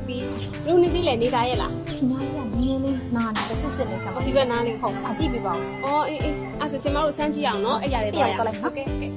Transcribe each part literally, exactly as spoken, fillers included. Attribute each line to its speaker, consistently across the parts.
Speaker 1: ပြီးလူနေသေးလေနေသားရဲ့လား
Speaker 2: ဒီနားလေးကနည်းနည်းလေးနားနေတစ်စစ်စစ်နေဆံပါ
Speaker 1: ဒီဘက်နားလေး
Speaker 2: ဟုတ်အကြည့်ပြပါဦး
Speaker 1: အော်အေးအေးအဲ့ဆိုစင်မတို့စမ်းကြည့်အောင်နော်အဲ့ရတယ်တော့ရဟုတ်ကဲ့ဟုတ်ကဲ့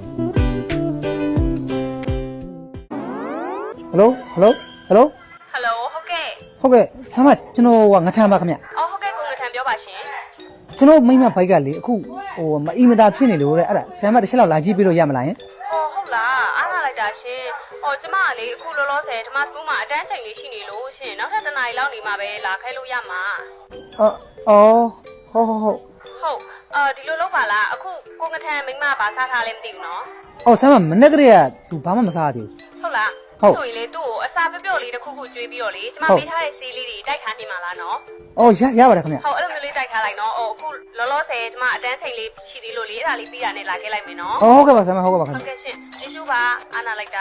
Speaker 3: ဟယ်လိုဟယ်လိုဟယ်လို
Speaker 1: ဟယ်လိုဟုတ်ကဲ့
Speaker 3: ဟုတ်ကဲ့ဆမ်းမကျွန်တော်ကငထမ်းပါခင်ဗျ
Speaker 1: အော်ဟုတ်ကဲ့ကိုငထမ်းပြောပါရှင်
Speaker 3: ကျွန်တော်မိမဘိုက်ကလေအခုဟိုမအီမတာဖြစ်နေလို့တဲ့အဲ့ဒါဆမ်းမတစ်ချက်လောက်လာကြည့်ပေးလို့ရမလားယင်
Speaker 1: ဟောဟုတ်လားအားလာလိုက်တာရှင်ဟောကျမကလေအခုလောလောဆယ်ဓမ္မစကူးမှာအတန်းချိန်လေးရှိနေလို့ရှင်နောက်ထပ်တစ်နာရီလောက်နေမှာပဲလာခဲလို့ရမှာ
Speaker 3: အော်အော်ဟုတ်ဟုတ်ဟုတ်
Speaker 1: ဟုတ်အာဒီလိုလုပ်ပါလားအခုကိုငထမ်းမိမဘာစားထားလဲမသိဘူးနော်
Speaker 3: အော်ဆမ်းမမနေ့ကတည်းက तू ဘာမှမစားသေး
Speaker 1: ဟုတ်လား
Speaker 3: ဟုတ်
Speaker 1: ဆိုရင်လေသူ့ကိုအစာပြော့ပြော့လေးတစ်ခုခုကျွေးပြီးတော့လေကျမပေးထားတဲ့ဆေးလေးတွေတိုက်ခါနေမှာလားနော်
Speaker 3: အော်ရရပါတယ်ခင်ဗျ
Speaker 1: ဟုတ်အဲ့လိုမျိုးလေးတိုက်ထားလိုက်နော်ဟိုအခုလောလောဆယ်ကျမအတန်းချိန်လေးရှိသေးလို့လေအဲ့ဒါလေးပြီးတာနဲ့လာခဲ့လိုက်မယ်နော်
Speaker 3: အော်ဟုတ်ကဲ့ပါဆမ်းမဟုတ်ကဲ့ပါခင်
Speaker 1: ဟု
Speaker 3: ဗျ
Speaker 1: တ်ကဲ့ရှင်ကျေးဇူးပါအားနာလိုက်တာ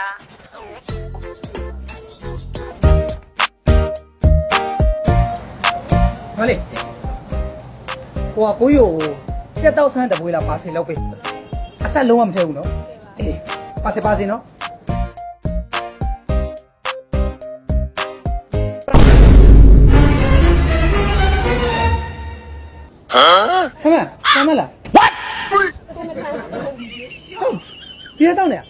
Speaker 3: မလေးဟိုကကိုရိုစက်တော့ဆန်းတပွေးလာပါစေလောက်ပေးအဆက်လုံးဝမထည့်ဘူးနော်အေးပါစေပါစေနော်ဆမ်းမဆမ်းမလား what ပြရတော့နေ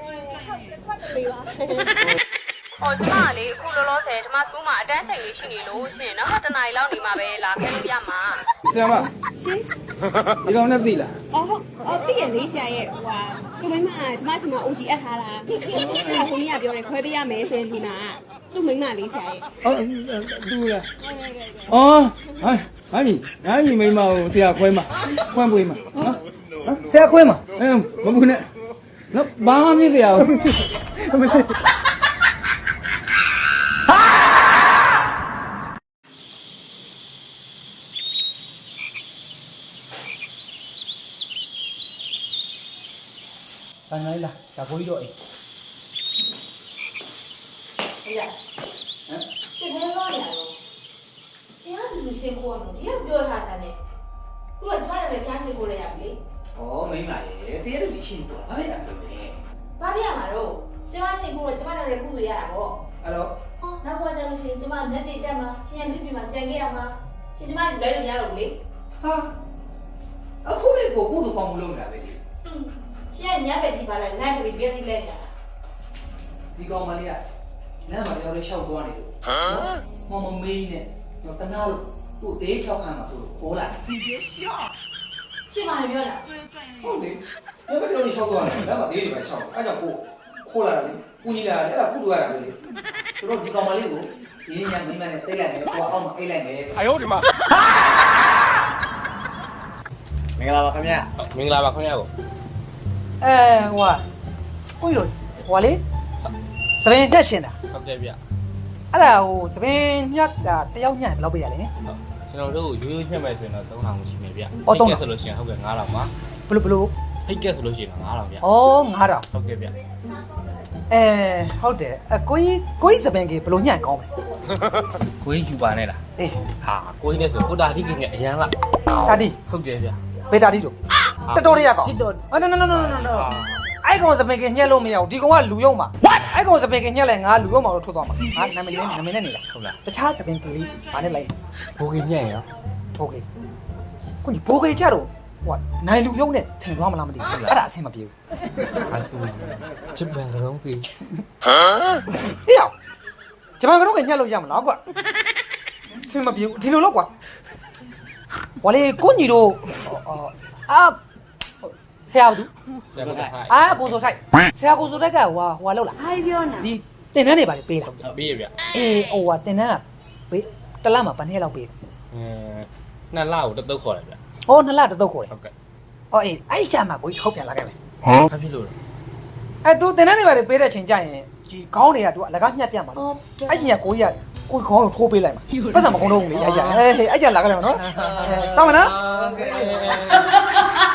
Speaker 1: ဟောကျမကလေအခုလောလောဆယ်ဓမ္မစကူးမှာအတန်းချိန်လေးရှိနေလို့ရှင်နောက်ထပ်တစ်နာရီလောက်နေမှာပဲလာခဲ့လို့ရမှာ
Speaker 4: ဆရာမ
Speaker 2: ရှင်
Speaker 4: ဒီကောင်နဲ့သိလား
Speaker 2: အော်ဟုတ်အော်သိရလေးဆရာရဲ့ဟိုဟာကိုမိမကကျမစီမှာ အို ဂျီ အပ်ထားတာအဲ့ဒါကိုကြီးကပြောတယ်ခွဲပေးရမယ်ရှင်ဒီနာသူ့မိမလေးဆရာရဲ့
Speaker 4: အော်သူလားအော်ဟာဟာကြီးဟာကြီးမိမကိုဆရာခွဲမှာခွန့်ပွေးမှာနော်
Speaker 3: ဆရာခွဲမှာ
Speaker 4: အဲမဘူးနဲ့နော်ဘာမှမဖြစ်ရဘူး
Speaker 3: ဘာနိုင်လားဒါဘိုးကြီးတော့အေး
Speaker 5: ရှင်ဘယ်လိုလဲဆရာကလူရှင်ကိုတော့ဒီကပြောထားတာနဲ့သူကကျမလည်းဖျားရှင်ကိုလည်းရပြီ
Speaker 6: 哦，没买耶，这都是新多，哪里来的呢？
Speaker 5: ။ဘာပြရမှာတော့ကျမရှင်ကိုတော့ကျမလည်းကုလို့ရတာပေါ့
Speaker 6: 哎喽，
Speaker 5: ။ဟောနောက်ဘဝကျလို့ရှင်ကျမလက်တွေတက်မှာရှင်ရမြပြီမှာကြံခဲ့ရမှာရှင်ကျမလည်းလိုက်လို့ရတော့လေ
Speaker 6: 哈，啊，后来我我都帮不了你了呗。
Speaker 5: ။ဟွန်းရှင်ကညဘက်ဒီပါလဲနိုင်ကလေးပြည့်စီလဲနေတာ
Speaker 6: ဒီကောင်မလေးကလမ်းမှာတယောက်လေးရှောက်သွားနေလို့ဟမ်မမမေးနဲ့တော့တနာလို့သူ့သေးချောက်ခံမှာဆိုလို့ခေါ်လာတယ်
Speaker 5: ။ရှင်မလည်းပြောတာ
Speaker 6: ဟုတ်လေဘယ်ဘက်တော့ရှောက်သွားတယ်လမ်းမှာသေးတွေပဲရှောက်အဲ့ကြောင့်ကိုခေါ်လာတယ်ကိုကြီးလာတယ်အဲ့ဒါကုလို့ရတာပဲဆိုတော့ဒီကောင်မလေးကိုဒီညမိမနဲ့တိတ်လိုက်မယ်ကိုအောက်မှာအိတ်လိုက်မယ်
Speaker 4: 哎呦我的妈
Speaker 7: မင်္ဂလာပါခင်ဗျာ
Speaker 4: မင်္ဂလာပါခင်ဗျာကို
Speaker 3: အဲဟိုကကိုရိုဟိုလေစပင်းတက်ချင်တာ
Speaker 4: ဟုတ်ကဲ့ဗျ
Speaker 3: အဲ့ဒါဟိုစပင်းညက်တာတယောက်ညက်ဘယ်လောက်ပေးရလဲ
Speaker 4: ကျွန်တော်တို့ရိုးရိုးညှက်မယ်ဆိုရင်တော့သုံးထောင်ရှိမယ်ဗျ
Speaker 3: အော်သုံးထောင်
Speaker 4: ဆိုလို့ရှိရင်ဟုတ်ကဲ့ငါးထောင်ပါ
Speaker 3: ဘလို့ဘလို့
Speaker 4: ဟိတ်ကက်ဆိုလို့ရှိရင်ငါးထောင်ဗျ
Speaker 3: ဩငါးတောင်
Speaker 4: ဟုတ်ကဲ့ဗျ
Speaker 3: အဲဟုတ်တယ်အကိုကြီးကိုကြီးစပင်းကြီးဘလို့ညက်ကောင်းလဲ
Speaker 4: ကိုကြီးယူပါနဲ့လား
Speaker 3: အေး
Speaker 4: ဟာကိုကြီးနဲ့ဆိုကိုတာတိကငယ်အရန်လား
Speaker 3: တာတီ
Speaker 4: ဟုတ်တယ်ဗျ
Speaker 3: ဘေတာတီတို့တတော်လေးရကောင်းအော် no no no no no no အဲ့ကောင်စပင်းကြီးညက်လို့မရဘူးဒီကောင်ကလူယုံမှာအဲ့ကောင်စပင်းကြီးညက်လဲငါလူယုံမှာတော့ထွက်သွားမှာငါနာမည်လေးနာမည်နဲ့နေတာ
Speaker 4: ဟုတ်လား
Speaker 3: တခြားစပင်းကလေးဘာနဲ့လိုက်
Speaker 4: ဘိုးကြီးညက်ရော
Speaker 3: ဘိုးကြီးကိုကြီးဘိုးကြီးကြတော့ဟိုနိုင်လူယုံနဲ့ထင်သွားမလားမသိဘူးအဲ့ဒါအဆင်မပြေဘူး
Speaker 4: အဆူချစ်ပန်ကလုံးကြီး
Speaker 3: ဟေ့ရောက်ဂျပန်ကတော့ကညှက်လို့ရမလားကွာဆင်မပြေဘူးဒီလိုတော့ကွာဝါလေကိုညီတို့အာဆရာဘူး
Speaker 4: ဆက်ပါထား
Speaker 3: အာကိုစိုးထိုက်ဆရာကိုစိုးထိုက်ကဟွာဟွာလောက်လား
Speaker 5: ။ဘာပြောနေ
Speaker 3: ဒီတင်တန်းတွေပါလေပေးလား
Speaker 4: ပေးရဗျ
Speaker 3: အေးဟိုဟာတင်တန်းကပေးတလမှာဗန်းထဲလောက်ပေး
Speaker 4: အဲနှစ်လကိုတတုတ်ခေါ်တယ်ဗျ
Speaker 3: ဟောနှစ်လတစ်သုတ်ခေါ်တယ်
Speaker 4: ဟုတ်ကဲ့
Speaker 3: ဟောအေးအဲ့ကြမှာကိုကြီးထုတ်ပြန်လာခဲ့မယ်
Speaker 4: ဘာဖြစ်လို့လဲ
Speaker 3: အဲ့သူတင်တန်းတွေပါလေပေးတဲ့ချိန်ကျရင်ဒီခေါင်းတွေကသူအလကားညှက်ပြတ်မှာ
Speaker 5: ။အော်
Speaker 3: အဲ့ချိန်ကကိုကြီးကကိုခေါင်းကိုထိုးပေးလိုက်မှာပတ်စံမကုန်းတော့ဘူးလေအဲ့ကြအဲ့အဲ့ကြလာခဲ့မယ်နော်တောင်းမနော်
Speaker 4: ဟုတ်ကဲ့